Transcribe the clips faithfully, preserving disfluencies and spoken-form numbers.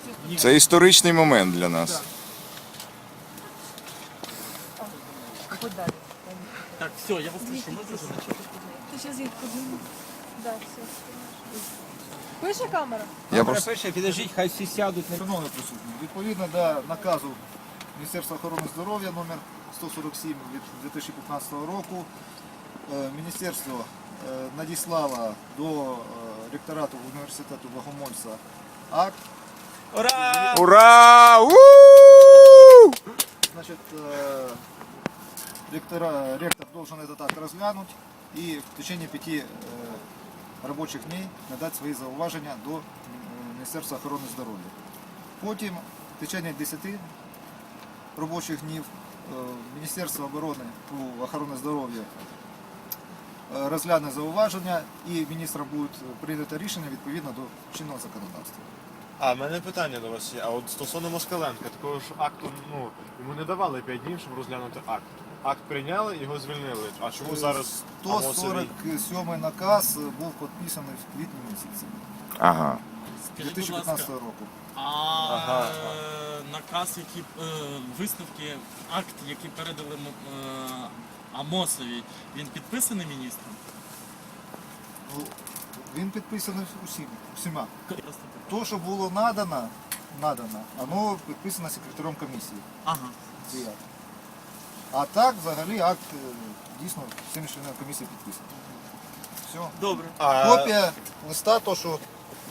Це історичний момент для нас. Так, все, я вас слышу, можете замечать? Ти зараз їх подивимо. Да, все. Пише камера? Я просто... Перше, підождіть, хай всі сядуть. Шановні присутні, відповідно до наказу Міністерства охорони здоров'я номер сто сорок сім від дві тисячі п'ятнадцятого року, е, міністерство е, надіслало до е, ректорату університету Богомольця акт. Ура! Ура! У! Значит, э, ректора, ректор должен этот акт разглянуть и в течение пяти э, рабочих дней надать свои зауваження до э, Міністерства охорони здоров'я. Потім в течение десяти робочих днів э, Міністерство оборони ну, охорони здоров'я э, розгляне зауваження і міністром буде прийнято рішення відповідно до чинного законодавства. А, в мене питання до вас є. А от стосовно Москаленка, такого ж акту, ну, йому не давали п'ять днів, щоб розглянути акт. Акт прийняли, його звільнили. А чому зараз сто сорок сьомий наказ був підписаний в квітні місяці Ага. дві Скажіть, тисячі будь ласка, п'ятнадцятого року. а Ага. е, наказ, який е, висновки, акт, який передали м- е, Амосові, він підписаний міністром? Ну, він підписаний усім, всіма. Просто- То, що було надано, надано, воно підписано секретарем комісії. Ага. Цей акт. А так, взагалі, акт е, дійсно всіми членами комісії підписаний. Все. Добре. А, Копія листа, то, що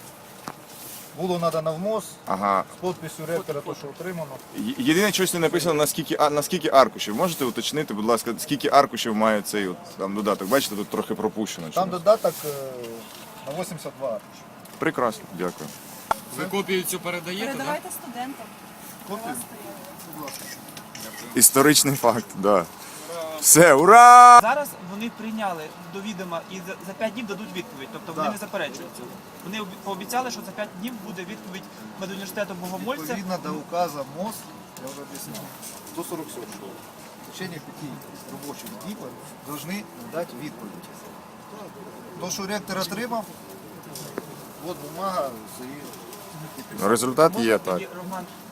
було надано в МОЗ, Ага. з підписю ректора, то, що отримано. Є- Єдине, щось не написано, наскільки, а, наскільки аркушів. Можете уточнити, будь ласка, скільки аркушів має цей от, там, додаток? Бачите, тут трохи пропущено. Там чомусь. додаток е, на вісімдесят два аркуші. Прекрасно, дякую. Ви копію цю передаєте, так? Передавайте студентам. Копію? Будь ласка. Історичний факт, так. Да. Все, ура! Зараз вони прийняли до відома і за, за п'ять днів дадуть відповідь. Тобто вони Так. не заперечують цього. Вони обі- пообіцяли, що за п'ять днів буде відповідь медуніверситету Богомольця. Відповідно до указу МОЗ, я вже об'яснив, сто сорок сім. В течение пяти робочих днів повинні надати відповідь. То, що ректор отримав, от бумага з її. Результат Можна є, тоді, так. Роман,